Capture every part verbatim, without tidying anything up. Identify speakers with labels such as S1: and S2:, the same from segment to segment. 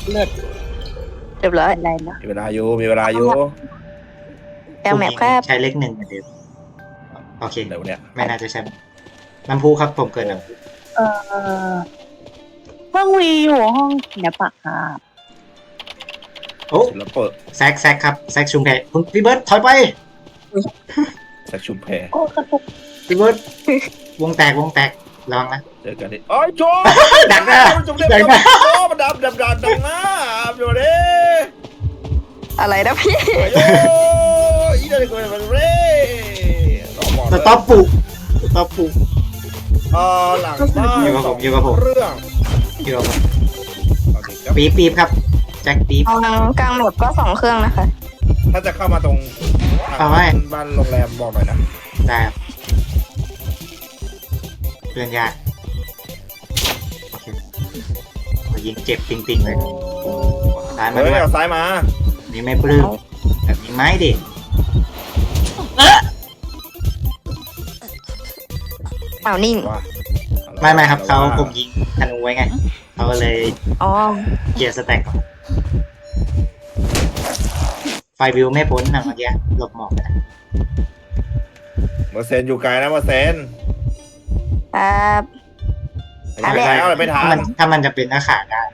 S1: เลือด
S2: เรียบร้อย
S1: อะไรนะ
S3: มีเวลาอยู่มีเวลาอยู่
S2: กลางแมปครับ
S4: ใช้เลขหนึ่งเหมือนเดิมโอเค
S3: เดี๋ยวเนี่ย
S4: ไม่น่าจะใช่น้ำพุครับผมเกิดน้ำพุ
S1: เออห้องวีอยู่ห้องศิลปะครับ
S4: โอ้
S3: แล้วเปิด
S4: แซกแซกครับแซกชุมแพคุณพี่เบิร์ดถอยไป
S3: แซกชุมแพ
S1: โอ้กระตุก
S4: พี่เบิร์ดวงแตกวงแตกระวังนะ
S3: เจอกันดิโอ้ยโจ
S4: ดักหน้า
S3: จงเล่น
S4: ดักหน้า
S3: โอ้มันดับดับดับดับหน้าดูดิ
S2: อะไรนะพี่
S3: โอ้ยอีเด็กคนมันเร่
S4: สต็อปปุสต็อปปุ
S3: อ่าหลังบ้าน
S4: อยู่กับผมอยู่กับผม
S3: เรื่อง
S4: เดี๋ยว
S3: โอเคครับ
S4: ปี๊บปี๊บครับแจ็คปี๊บ
S2: กลางกลางแมปก็สองเครื่องนะคะ
S3: ถ้าจะเข้ามาตรง
S4: เอาไว้
S3: บ้านโรงแรมบอกหน่อยนะ
S4: ได้ครับเพื่อนยากโอเคโอ้ยิงเจ็บปิงๆเลยตายมา
S3: เฮ้
S4: ด้วย
S3: ยเอาซ้ายมา
S4: นี่ไม่ปลื้มแบบนี้ไหมดิ
S2: เปล่านิ่ง
S3: ว่า
S4: ไม่ไม่ครับเขาผมยิงธนูไว้ไงเขาก็เลย
S2: อ๋อ
S4: เกียร์สแต็กก่อนไฟวิวไม่พ้นนะเมื่อกี้หลบหมอกไปนะ
S3: เมอร์เซนอยู่ไกลนะเมอร์เซน
S2: ครับ
S3: ไม่ใช่แล้วไม่ทั
S4: ถ้ามัน นถ้ามันจะเป็นหน้าขาได้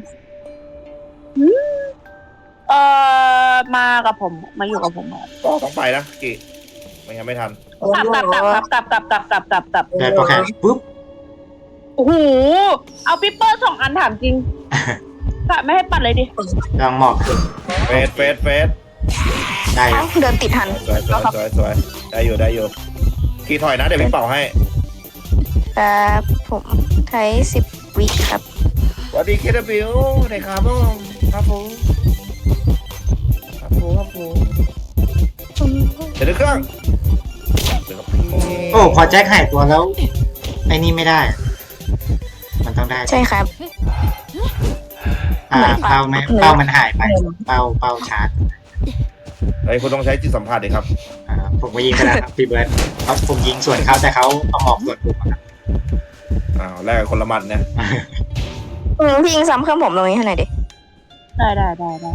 S1: เออมากับผมมาอยู่กับผมอะ
S3: ก็ต้องไปนะกี่ไม่งั้นไม่ทัน
S1: กลับกลับกลับกลับกลับกลับกลับกลับกลับกลับ
S4: เดินโปรแกรมปุ๊บ
S1: โอ้โหเอาปิปเปอร์สองอันถามจริงกะไม่ให้ปัดเลยดิ
S4: ลองหมอก
S3: เฟสเฟสเฟส
S4: ได้ค
S2: เอ้า
S4: รับ
S2: เดินติดทัน
S3: สวยสวยสวยสวยได้อยู่ได้อยู่กี่ถอยนะเดี๋ยวพี่เป่าให้
S2: ครับผมใช้สิบวิครับ
S3: สวัสดีเคทบิวในครับผมครับผมครับผมครับผมเดี๋ยวเครื่องเดี๋ยวกับพี่
S4: โอ้พอแจ็คหายตัวแล้วไอ้นี่ไม่ได้ มันต้องได้
S2: ใช่ครับ
S4: อ่าเป้าไม่เป้ามันหายไป เป้าเป้าชาร์จ
S3: เฮ้ยคุณต้องใช้จิตสัมผัสดิครับ
S4: อ่าผมก็ยิงไปแล้วครับพี่เบิร์ดเขาผมยิงส่วนเขาแต่เขาเอาหมอกส่วนผมอะครับ
S3: อ้าวแลกกับคนละหมัดเนี่ย
S2: อืมพี่ยิงซ้ำเครื่องผมตรงนี้ให้หน่อยดิ
S1: ได้ได้ได้ได้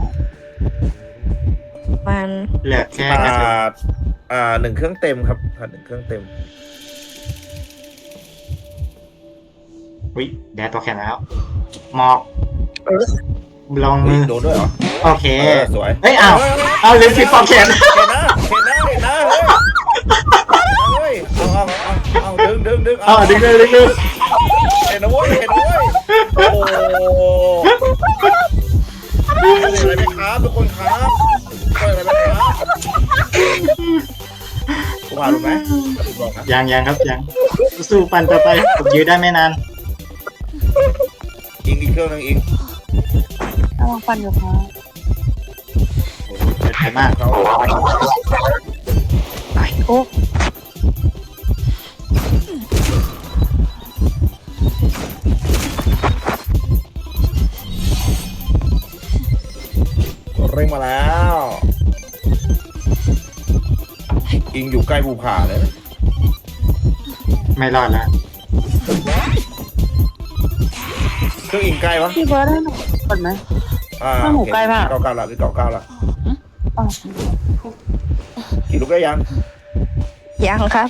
S2: มัน
S4: เหลือแค่
S3: อ่
S4: กระสุนา
S3: อ่าหนึ่งเครื่องเต็มครับผ่านหนึ่งเครื่องเต็ม
S4: อุ้ยแดดตัวแข็งแล้วหมอกลอง
S3: เฮ้
S4: มื
S3: ย
S4: อ
S3: โดนด้วยเหรอ
S4: โอเค
S3: เออสวย
S4: เฮ้ยอ้าวเอาลืมปิดปอกแขน
S3: เห็นนะเห็นนะเห็นนะเฮ้ยเอาเอาเอาเอาดึงดึงดึง
S4: อ๋อดึงเลยดึงเลย
S3: เห็นนะเว้ยเห็นนะเว้ยโอ้โหอะไรไหมครับทุกคนครับช่วยอะไรไหมครับกูพาดูไหมบอกนะ
S4: ยังยังครับยังสู้ปันต่อไปผมยื้อได้ไม่นาน
S3: อีกอีกเครื่องนึงอีก
S1: เอาลองฟันอยู่ครับ
S4: เกิดไปมาก
S3: เขา
S4: ไป
S1: โอ้
S3: เร่งมาแล้วอิงอยู่ใกล้ภูผาเลย
S4: ไม่รอดแล้ว
S3: เครื่องอิงใกล้วะ
S1: พี่เบิร์ดให้หนูก่อนไหม
S3: อ่า
S1: เครื่องหนูใกล้มาก
S3: เก้าเก้าละคือเก้าเก้าละ
S1: อ๋อ
S3: กี่ลูกได้ยัง
S2: ยังครับ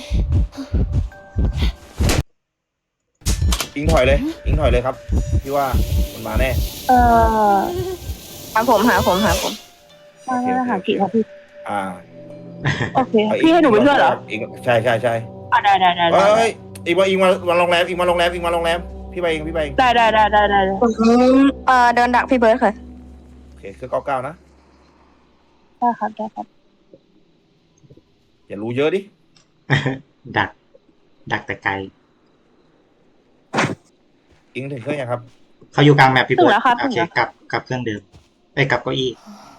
S3: อิงถอยเลย อิงถอยเลยครับพี่ว่ามันมาแน่
S1: เออ
S2: หาผมหาผมหาผม
S1: มามาหากี่ครับพี่
S3: อ่า
S1: โอเคพี่ให้หนูไปช่วยเหรอ
S3: อิงใช่ใช่ใช่
S1: อ่ะได้ได้ได้
S3: เฮ้
S1: ได้
S3: ยอิงมาอิงมามาโรงแรมอิงมาโรงแรมอิงมาโรงแรมพี่ไปเองพี่ไปเอง
S1: ได้ได้ได้ได้ได้ได้
S2: ผมเอ่อเดินดักพี่เบิร์ดค่ะ
S3: โอเคคือเก้าเก้านะ
S1: ได้ครับได้ครับ
S3: อย่ารู้เยอะดิ
S4: ดัก ดักแต่ไกล
S3: อิงถึงเครื่องยังครับ
S4: เขาอยู่กลางแมปพี่
S1: ถึ
S4: เบิ
S1: ง
S4: ร์ด
S1: แล้วครับ
S4: โอ
S1: ถึง
S4: เค
S1: แล้ว
S4: กลับกลับเครื่องเดิมเอ้ยกลับเก้าอี้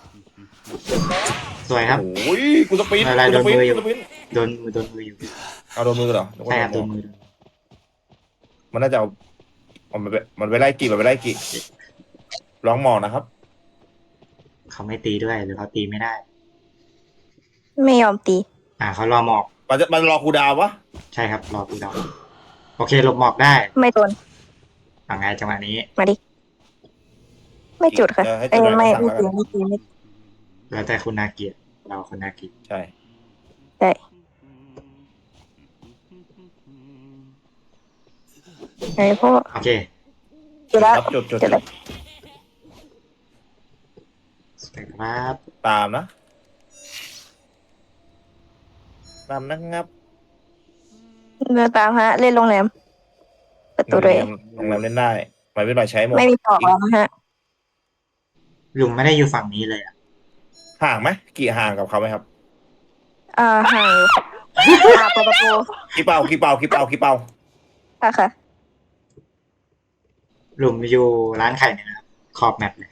S4: สวยครับ
S3: โอ้ยกูสปีด
S4: อะไร
S3: กูสปีด
S4: โดนมืออยู่
S3: กูสปีด
S4: โดนมือโดนมืออยู่
S3: เอาโดนมือเหรอ
S4: ใช่ครับโดนมือ
S3: มันน่าจะเอามันไปมันไปไล่กี่มันไปไล่กี่ลองหมอกนะครับ
S4: เขาไม่ตีด้วยหรือเขาตีไม่ได้
S2: ไม่ยอมตี
S4: อ่าเขารอหมอก
S3: มันจะมันรอคูลดาวน์วะ
S4: ใช่ครับรอกูดาวโอเคหลบหมอกได้
S2: ไม่โดน
S4: เอาไงจังหวะนี้
S2: มาดิไม่จุดค่ะ
S3: เออให้
S2: เอ้
S3: จุด
S2: ย
S3: หน่อย
S2: ไม่
S3: สั่ง
S2: ไม่
S3: แล้ว
S2: จุ
S3: กั
S2: ด
S3: น
S2: ไม่จุดไม่จุด
S4: แล้วแต่คุณนาเกียเราคุณนากิ
S3: ใช่
S2: ใช่ไอ้พวก
S4: โอเค
S2: จุดแล้ว
S3: ครับจุดจุด
S2: จุด
S3: จุ
S2: แล้
S3: ด
S2: ว
S4: สวัสดีครับ
S3: ตามนะตามนะครับ
S2: เดินตามฮะ เล่นโรงแรมประตู
S3: โรง
S2: เล
S3: แร
S2: ย
S3: มโรงแรมเล่นได้ไปไม่ไปใช้หมด
S2: ไม่มีปอกแล้วนะฮะ
S4: ลุงไม่ได้อยู่ฝั่งนี้เลยอ่ะ
S3: ห่างไหมกี่ห่างกับเขาไหมครับ
S2: อ่าห่างอยู่อ่าเปิดประตู
S3: กี่เป่ากี่เป่ากี่เป่ากี่เป่า
S2: ค่ะค่ะ
S4: ลุงอยู่ร้านไข่เนี่ยนะครับขอบแมปเลย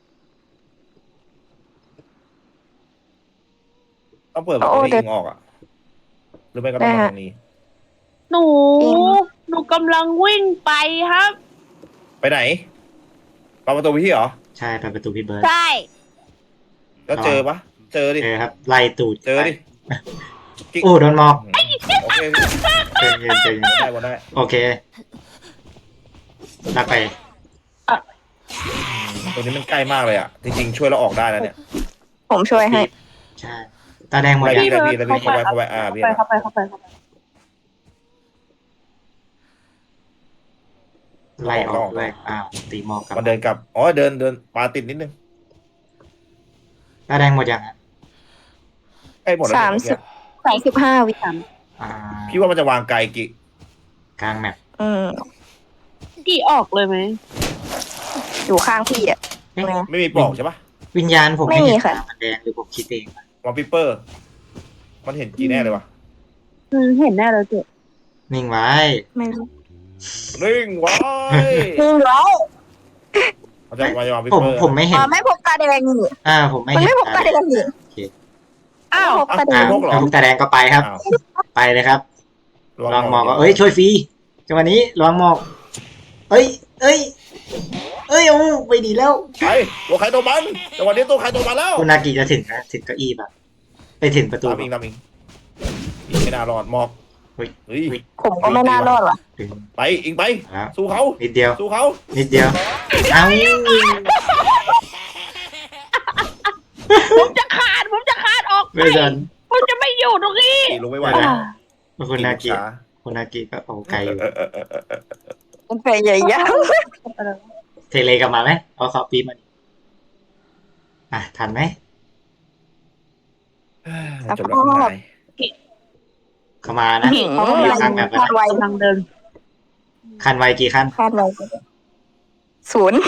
S3: ต้องเปิดประตูให้ยิงออกอ่ะหรือไม่ก็ต้องมาทางนี้
S1: หนู หนูกำลังวิ่งไปครับ
S3: ไปไหนเปิดประตูไปที่เหรอ
S4: ใช่ไปประตูพี่เบิร์ด
S1: ใช่
S3: แล้วเจอปะเจอดิ
S4: เจอครับไล่ตูด
S3: เจอดิ
S4: โอ้โดนมอก
S3: โอเค
S4: เจอเย็นเจอเย็น
S3: ได้หมดได้
S4: โอเคลากไป
S3: ตัวนี้มันใกล้มากเลยอ่ะจริงๆช่วยเราออกได้แล้วเนี่ย
S2: ผมช่วยให้
S4: ใช่ตาแดงหมด
S3: ได้
S4: ยัง
S3: พี่ได้พี่ได้พี่เข้าไปเข้าไปอ่าพี่
S1: ไปเข้าไปเข้าไปเข้าไป
S4: ไล่ออกด้วยอ้าวตีหมอกกลับ
S3: มันเดินกลับอ๋อเดินเดินปลาติดนิดนึง
S4: ตาแดงหมดยังอ่ะ
S3: ใกล้หมดแล้ว
S2: สามสิบ สามสิบห้าวิ
S4: อ่า
S3: พี่ว่ามันจะวางไกลกี่
S4: กลางแมป
S2: อืม
S1: กี่ออกเลยไหม
S2: อยู่ข้างพี่อ่ะ
S4: เอ๊ะ
S2: ไง
S3: ไม่มีปลอกใช่ปะ
S4: วิญญาณผม
S2: ไม่
S3: 嗯
S2: มี
S4: ไม่เห็น
S2: ค่ะ
S4: ตามันแดงหรือผมคิดเองวะ
S3: วอลปิเปอร์ มันเห็นกี่แน่เลยวะ
S1: อืมเห็นแน่เลยเจ๊
S4: นิ่งไว้
S2: ไม่รู้
S3: นิ่งไว้
S2: จริงเหรอ
S3: เขาจะมาจะวางปิ
S4: ผม
S3: เปอร์
S4: ผมไม่เห็
S2: อ๋
S4: น
S2: อไม่พกตาแดงนี่
S4: อ่าผมไม่
S2: มัน
S4: เห็น
S2: ไม่พกตาแดงนี่
S4: โอเค
S1: อ้าว
S2: พกตาแด
S4: อ่าง
S3: พกเหรอ
S4: แล้วพวกตาแดงก็ไปครับ
S3: อ้าว
S4: ไปเลยครับ
S3: ลอง
S4: ลองหมอก
S3: ม
S4: ก็
S3: อง
S4: เอ้ยช่วยฟรีจังหวะนี้ลองหมอกเอ้ย เอ้ย เอ้ยโอ้ไปดีแล้ว
S3: ไปตัวใครตัวมันแต่วันนี้ตัวใครตัวมันแล้ว
S4: คุณนากิจะถึงนะถึงเก้าอี้ป่ะไปถึงประตู
S3: ตามอิงตามอิงอิงไม่น่ารอดหมอก
S4: เฮ้ย
S3: เฮ้ย
S2: ผมก็ไม่น่ารอดว่ะ
S4: ถึง
S3: ไปอิงไป
S4: แล้ว
S3: สู้เขา
S4: นิดเดียว
S3: สู้เขา
S4: นิดเดียวเอ้า
S1: ผมจะขาด ผมจะขาดออกไป
S4: ไม่ทัน
S1: ผมจะไม่อยู่ตรงนี้
S3: ขี่ลงไม่ไหว
S4: ไม่
S3: แล้
S4: ได้
S3: ว
S4: คุณนากิ
S3: ช้า
S4: คุณนากิก็โอ้ไกลอยู่
S3: เออเออเออเออเออ
S2: มันพยายาม
S4: เทเลกลับมาไหมเอาเขาปีมาดิอ่ะทันไหม
S3: จบแล้วคุณนาย
S4: เข้ามานะ
S1: เขากำลัง
S4: คาดแบบ
S2: คาดไว
S1: กำลังเดิน
S4: คันไวกี่คัน
S2: คาดไวศูนย์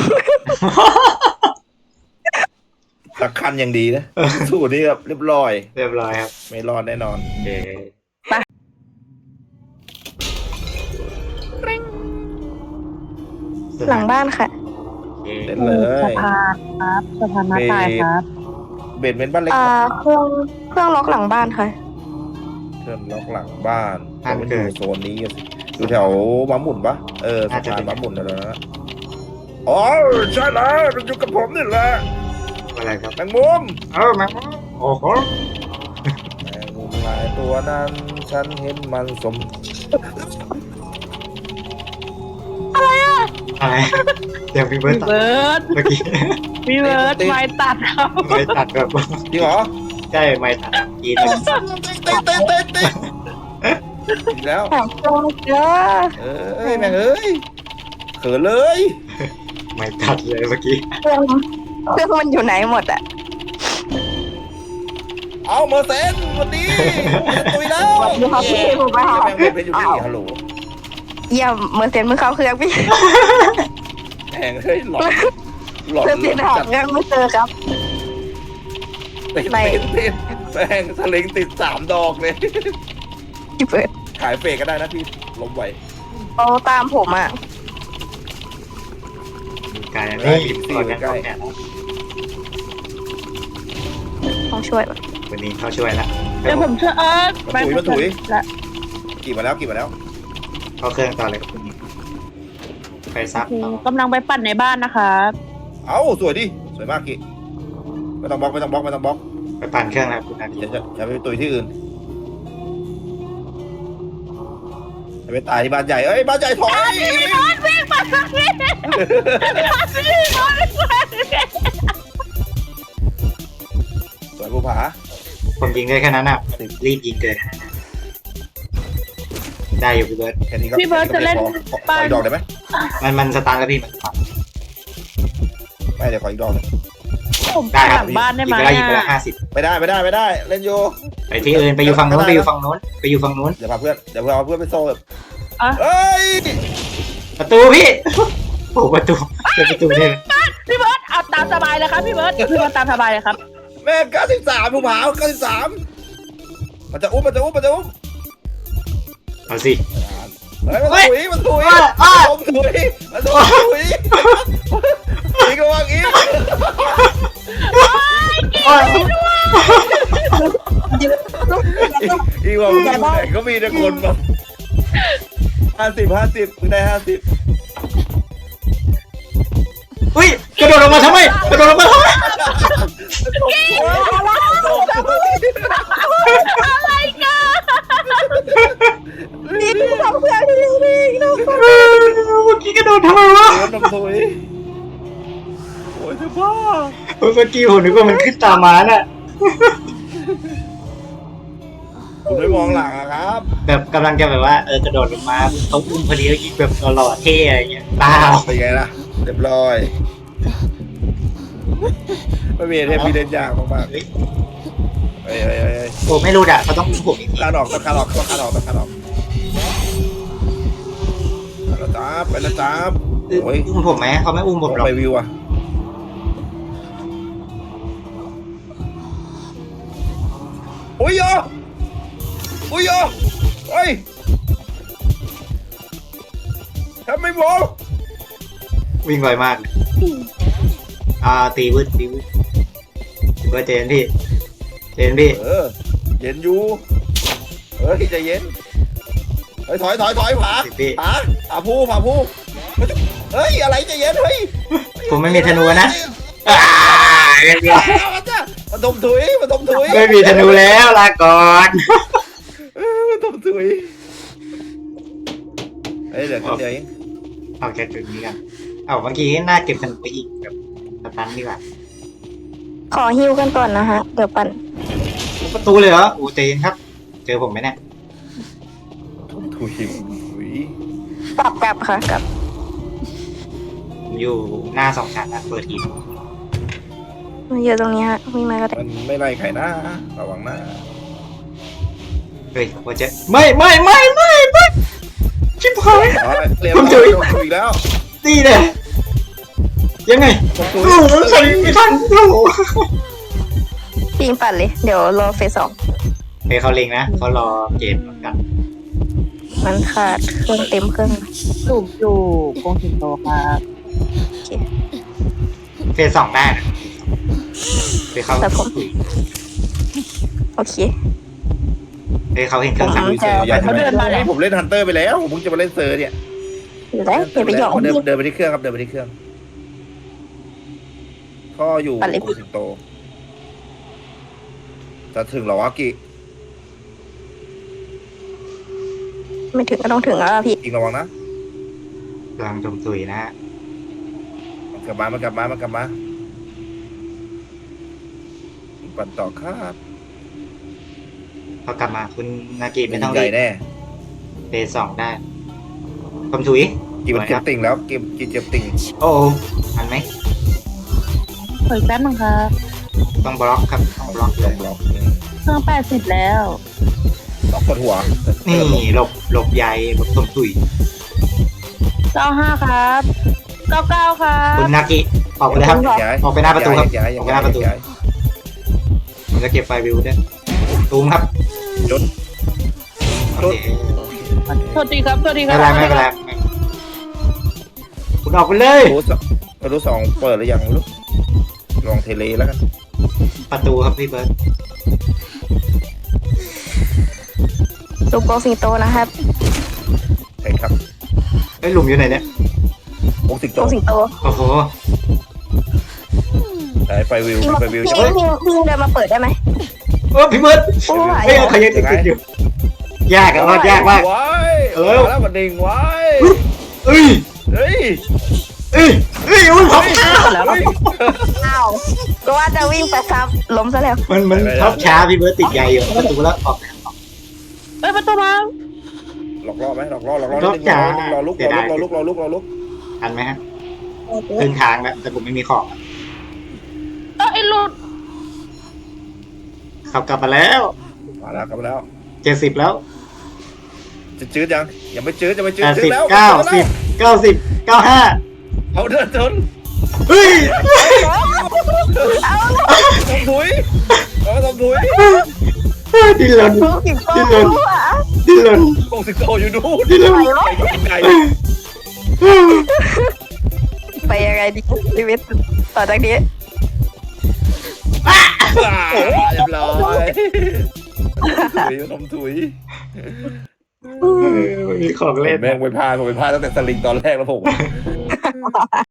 S3: สักคันยังดีนะสู้นี่แบบเรียบร้อย
S4: เรียบร้อยครับ
S3: ไม่รอดแน่นอน
S4: โอเค
S2: หลังบ้านค่ะ
S4: โอเค
S3: เล่นเลย
S1: สะพานครับสะพานหน้าตายครับ
S3: เบนเป็นบ้านเล็ก
S2: อ่าเครื่องเครื่องล็อกหลังบ้านค่ะ
S3: เพื่อนล็อกหลังบ้านมันอยู่โซนนี้สิอยู่แถวม้าหมุนปะเออสะพานม้าหมุนนั่นแหละนะอ๋อใช่แล้วมันอยู่กับผมนี่แหละ
S4: อะไรครับ
S3: แมงมุม
S4: เออแม็กโอ้โห
S3: แมงมุมหลายตัวนั้น ฉันเห็นมันสม
S4: อะไรเดี๋ยวพี่เบิร์
S1: พี่
S4: ตตัด
S1: เบิร์ด
S4: เมื่อกี้
S1: พี่เบิร์ดไม้ตัดครับ
S4: ไม่ตัดแบบ
S3: จริงเหรอ
S4: ใช่ไม่ตัดกีน
S3: เต้เต้เต้เต้เต้อีกแล้ว
S2: หาเครื่องไม่เจอ
S3: เอ้ยแม่งเอ้ยเขินเลย
S4: ไม่ตัดเลยเมื่อกี้
S2: เครื่องเครื่องมันอยู่ไหนหมดอ่ะ
S3: เอาเมอร์เซนวันนี้ตุยแล้ว
S2: สวัสดีครับพี่ผมมาหา
S3: แม่งเป็นอยู่นี่ฮัลโหล
S2: เยี่ยมเมื่อเซ็นมือเข้าเครื่องพี่
S3: แม่งเฮ้ยหลอนหลอน
S2: เครื่องเซ็นหาเครื่องไม่เจอครับ
S3: ติดติดติดแม่งสลิงติดสามดอกเลย
S2: พี่เปิด
S3: ขายเฟกก็ได้นะพี่ล้มไหว
S2: เขาตามผมอ่ะ
S4: มีการนี่ตอนนั้นก็แอบ
S2: ต้องช่วยป่ะ
S4: วันนี้เขาช่วยแล้ว
S1: เดี๋ยวผมช่วยเออ
S3: มันถุยมันถุย
S1: และ
S3: กี่มาแล้วกี่มาแล้ว
S4: เข้าเครื่องต่อเลยครับคุณไปซับต่อก
S1: ำลังไปปั่นในบ้านนะครับ
S3: เอ้าสวยดิสวยมากกี่ไม่ต้องบล็อกไม่ต้องบล็อกไม่ต้องบล็อก
S4: ไปปั่นเครื่องแล้วคุณนากิ
S3: อย่าจะอย่าไปตุยที่อื่นอย่าไปตายที่บ้านใหญ่เอ้ยบ้านใหญ่ถอย
S1: วิ่งมาวิ่งวิ่งวิ่งวิ่ง
S4: ยิงได้แค่นั้นอ่ะรีบยิงเกินได้อยู่พี่เบิร์ด
S3: แค่นี้ก็
S1: พี่เบิร์ดจะเล่น
S3: ขอขอขออีกดอกได้ไหม
S4: มันมันสตาร์ทแล้วพี่มันสตาร์ท
S3: ไม่เดี๋ยวขออีกดอกหนึง
S1: ผม
S4: ได้ค
S1: ห
S4: รับ
S1: ลังบ้านได้
S4: ยิ
S1: ไห
S4: ง
S1: ม
S4: ไปแล้วยิงไปแล้ว
S1: อะ
S4: ห้าสิบ
S3: ไม่ได้ไม่ได้ไม่ได้เล่นอยู่
S4: ไปที่อื่นไปอยู่ฝั่งนู้นไปอยู่ฝั่งนู้นไปอยู่ฝั่งนู้น
S3: เดี๋ยวพาเพื่อนเดี๋ยวเอาเพื่อนไปโซ่
S1: อ่ะ
S3: เอ้ย
S4: ประตูพี่โอ้ประตูเจอประตูเนี่ย
S1: พี่เบิร์ดเอาตามสบายเลยครับพี่เบิร์ดพี่เบิร์ดตามสบายเลยครับ
S3: แม่เก้าสิบสามผู้ผาเก้าสิบสามมันจะอุ้มมันจะอุ้มมันจะอุ้ม
S4: เอาสิ
S3: เฮ้ยมันถุยมันถุย
S4: อ้าวอ้าว
S3: มันถุยมันถุยอีกระวังอีก
S4: โอ้ย
S3: อีกว่ามึงอยู่ไหนก็มีแต่คนแบบห้าสิบห้าสิบมึงได้ห้าสิบ
S4: อุ้ยกระโดดออกมาทำไมกระโดดออกมาทำไม
S1: อะไรกัน
S2: นี่คือของเพื่อนที่นี่น้อง
S4: เมื่อกี้กระโดดทำไมวะ
S3: เดี๋ยวน้ำถุยโอ้ยจะบ้า
S4: เมื่อกี้ผมนึกว่ามันขึ้นตามมาน่ะ
S3: คุณไม่มองหลังอะครับ
S4: แบบกำลังจะแบบว่าเออกระโดดลงมาเขาอุ้มพอดีแล้วยิงแบบหล่อๆเท่อะไรเงี้ยเปล่า
S3: เป็นไงล่ะเรียบร้อยไม่มีเทปมีเล่นยากมากๆเฮ้ยเฮ้ยเฮ้ยเฮ้ย
S4: ผมไม่รู้อ่ะเขาต้องอุ้มผมอีกที
S3: คาดออกต้องคาดออกต้องคาดออกต้องคาดออกไปแล้วจ้าไปแล้วจ้าโอ้ย
S4: อุ้มผมไหมเขาไม่อุ้มผมหรอก
S3: ไปวิวอะโอ้ยโยโอ้ยโยเฮ้ยทำไม่บอก
S4: วิ่งไวมากอ่าตีวืดตีวืดถือว่าเจนพี่เจนพี่
S3: เออเย็นอยู่เฮ้ยใจเย็นเฮ้ยถอยถอยถอยผา
S4: พี่
S3: ผาผาผู้ผาผู้เฮ้ยอะไรใจเย็นเฮ้ย
S4: ผมไม่มีธนูนะอ่าเรียบร้อย
S3: มาจ้ะมาดมถุยมาดมถุย
S4: ไม่มีธนูแล้วลาก่อน
S3: เออมาดมถุยเฮ้ยเดี๋ยวเดี๋ยวเอง
S4: เอาแค่จุดนี้กันเอาเมื่อกี้น่าเก็บธนูไปอีกแบบสตันดีกว่า
S2: ขอฮิวกันก่อนนะฮะเดี๋ยวปั่น
S4: ประตูเลยเหรอโอ้เจนครับ เจอผมไหมเนี่ย
S3: ถุยถุย
S2: กลับกลับค่ะกลับ
S4: ผมอยู่หน้าสองชั้นนะเปิดทีม
S2: อยู่ตรงนี้ฮะวิ่งมาก็ได้
S3: มันไม่ไล่ใครนะระวังนะ
S4: เฮ้ยว่าจะไม่ไม่ไม่ไม่ไม่ชิบหาย
S3: อ๋อเรียบ
S4: ผ
S3: ร้
S4: ม
S3: อย
S4: ถุย
S3: โดนถุยแล้ว
S4: ตีเลยยังไง
S3: โดนถุย
S4: โอ้โหใส่ไม่ทันโอ้โห
S2: ปีนปั่นเลยเดี๋ยวรอเฟสสอง
S4: เฮ้ยเขาเล็งนะเขารอเกมเหมือนกัน
S2: มันขาดเครื่องเต็มเครื่อง
S1: สูบอยู่กงสิงโตครับ
S2: โอเค
S4: เฟสสองได้นะเฮ้ยเขา
S2: แต่ผม โอเค
S4: เฮ้ยเขาเห็นเครื่อง
S2: ผ
S4: สั่ง
S2: มจะ
S3: อย่า
S1: เขาเดินมาแล้ว
S3: ผมเล่นฮันเตอร์ไปแล้วผมเพิ่งจะมาเล่นเซอร์เนี่ย
S2: อยู่ได้อย่าไปหยอก
S3: เดิน
S2: พี่
S3: เดินไปที่เครื่องครับเดินไปที่เครื่องพ่ออยู่
S2: ปั่นเลย
S3: โกสิงโตจะถึงเหรอวะกิ
S2: ไม่ถึงก็ต้องถึงแล้วล่ะพี่
S3: อีกระวังนะ
S4: กำลังจมตุยนะฮะ
S3: มันกลับมามันกลับมามันกลับมาปั่นต่อครับ
S4: พอกลับมาคุณนากิไม่ต้อง
S3: ให
S4: รี
S3: ญ่
S4: บ
S3: แน่
S4: เฟสสองได้ผมถุย
S3: กินมันเจ็บติ่งแล้วกินกินเจ็บติ่ง
S4: โอ้โหทันไหม
S1: เฮ้ยแป๊บนึงครับ
S4: ต้องบล็อกครับต้องบล็อกเลย
S3: บล็อก
S1: เครื่องแปดสิบแล้ว
S3: ล็อกกดหัว
S4: นี่หลบหลบใยหลบตมตุย
S1: เก้าห้าครับเก้าเก้าครั
S4: คุ
S1: บ
S4: ณนากิออกไปเลยครับ
S3: ย้าย
S4: ออกไปหน้าประตูครับ
S3: ย้าย
S4: ออกไปหน้าประตู
S3: ย้าย
S4: ผมจะเก็บไฟวิวด้วยตูมครับ
S3: จด
S4: โอเค
S1: สวัสดีครับสวัสดีค
S4: ไม่
S1: รั
S4: เป็นไรไม่เป็นไรไม่คุณออกไปเลย
S3: รู้สองรู้สองเปิดหรือยังไม่รู้ลองเทเลแล้วกัน
S4: ประตูครับพี่เบิร์ด
S2: ลูกโกสิงโตนะครับ
S3: ใช่ครับ
S4: ไอ้ยหลุมอยู่ไหนเนี่ย
S3: โอ้สิงโต
S2: โกสิงโต
S4: โอ้โห
S3: ใช้ไฟวิว
S2: พี่
S3: ไฟวิว
S2: พี่
S3: ใช่ไหม
S2: พี่พี่เดินมาเปิดได้ไหม
S4: เออพี่เบิร์ด
S2: โอ้ย
S4: เฮ้ยเขายังติดติดอยู่ยากอะรอดยากมาก
S3: ไว้
S4: เออ
S3: แล้วมันดิ่งไว้
S4: เอ้ย
S3: เฮ้ย
S4: เอ้ยเอ้ยอุ้ยผม
S3: เฮ้ย
S2: อ้าวก็ว่าจะวิ่งไปซ้ำล้มซะแล้ว
S4: มันมันท็อปช้าพี่เบิร์ตติดใหญ่อยู่ประตูแล้วออก
S1: เอ้ยประตูมา
S3: หลอกล่อไหมหลอกล่อหลอกล่อนิดนึงรอลุกรอลุกรอลุกรอลุกรอลุก
S4: ทันไหมฮะครึ่งทางแล้วแต่ผมไม่มีของ
S1: เอ้ยไอ้หลุด
S4: ขับกลับมาแล้ว
S3: มาแล้วกลับมาแล้ว
S4: เจ็ดสิบแล้ว
S3: จะจืดยังยังไม่จืดยังไม่จืด
S4: แปด
S3: จื
S4: สิ
S3: ด
S4: บ
S3: แล้ว
S4: เก้าสิบเก้าสิบเก้าห้า
S3: เอาเดินเดิน
S4: เฮ้ย
S3: ทำถุยเอาทำถุย
S4: ดิ้นรน
S2: ลูกสิบโต
S4: ดิ้นรน
S2: อ่ะ
S4: ดิ้นรน
S3: กงสิงโตอยู่ดู
S4: ดิ้นรน
S3: ไก่
S2: ไปยังไงดีชีวิตต่อจากนี้
S3: เรียบร้อยถุยทำถุย
S4: ไม่มีของเล่น
S3: แม่งไปพาผมไปพาตั้งแต่สลิงตอนแรกแล้วผม